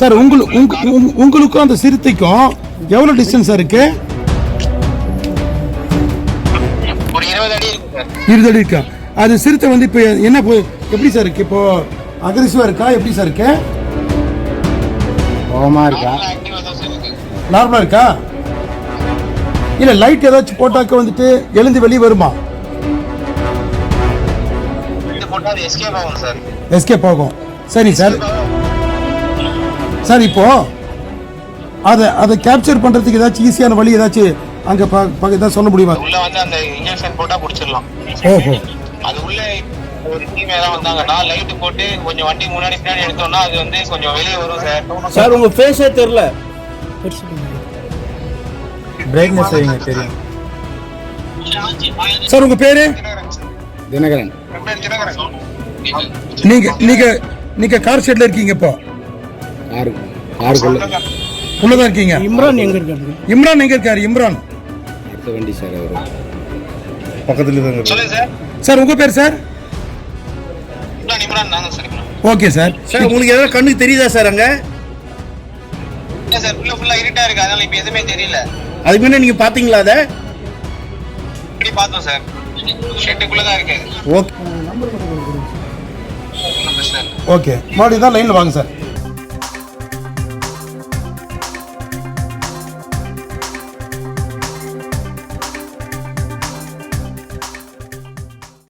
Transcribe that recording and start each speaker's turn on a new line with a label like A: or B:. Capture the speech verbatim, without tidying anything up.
A: Sir உங்களுக்கு உங்க- உங்களுக்கும் அந்த சிறுத்தைக்கும் எவ்வளோ டிஸ்டன்ஸ் சார் இருக்கு?
B: ஒரு இருபது அடி இருக்கு சார்.
A: இருபது அடி இருக்கா? அது சிறுத்தை வந்து இப்போ என்ன போ- எப்படி சார் இருக்கு? இப்போ அக்ரெசிவா இருக்கா? எப்படி சார் இருக்கு?
C: கோவமா இருக்கா?
B: ஆக்டிவா தான் சார் இருக்கு.
A: நார்மலா இருக்கா? இல்ல லைட் ஏதாச்சும் போட்டாக்க வந்துட்டு எழுந்து வெளியே வருமா?
B: இது போட்டா அது எஸ்கேப் ஆகும் சார்.
A: எஸ்கேப் ஆகும். சரி சார். சார் இப்போ அதை அதை கேப்சர் பண்றதுக்கு ஏதாச்சும் ஈஸியான வழி ஏதாச்சும் அங்க ப- ப- ஏதாவது சொல்ல முடியுமா?
B: உள்ள வந்து அந்த இன்ஜெக்ஷன் போட்டா புடிச்சிடலாம்.
A: ஓஹோ.
B: அது உள்ள ஒரு டீம் ஏதாவது வந்தாங்கன்னா லைட் போட்டு கொஞ்சம் வண்டி முன்னாடி பின்னாடி எடுத்தோம்னா அது வந்து கொஞ்சம் வெளியே வரும் சார்.
D: சார் உங்க ஃபேஸே தெரியல.
C: பிரைட்னஸ் வைங்க தெரியும்.
A: சார் உங்க பேரு?
C: தினகரன்.
A: நீங்க நீங்க நீங்க கார் ஷெட்ல இருக்கீங்க இப்போ?
C: காரு காருக்குள்ள
A: உள்ளதான் இருக்கீங்க.
D: இம்ரான் எங்க இருக்காரு?
A: இம்ரான் எங்க இருக்காரு? இம்ரான்
C: அடுத்த வண்டி சார் அவரு.
A: பக்கத்துல தான்.
B: சொல்லுங்க சார்.
A: சார் உங்க பேர் சார்?
B: இம்ரான் இம்ரான் நாங்க sir. Imran.
A: Okay sir.
D: Sir உங்களுக்கு ஏதாவது கண்ணுக்கு தெரியுதா சார் அங்க?
B: இல்ல சார், உள்ள ஃபுல்லா இருட்டா இருக்கு, அதனால இப்ப எதுவுமே தெரியல.
D: அதுக்கு முன்ன நீங்க பாத்தீங்களா அத?
B: இப்படி பார்த்தோம் சார். ஷெட்டுக்குள்ள தான் இருக்கு.
D: ஓகே.
B: ஒண்ணும் பிரச்சனை இல்லை.
A: ஓகே மறுபடியும் தான் லைன்ல வாங்க சார்.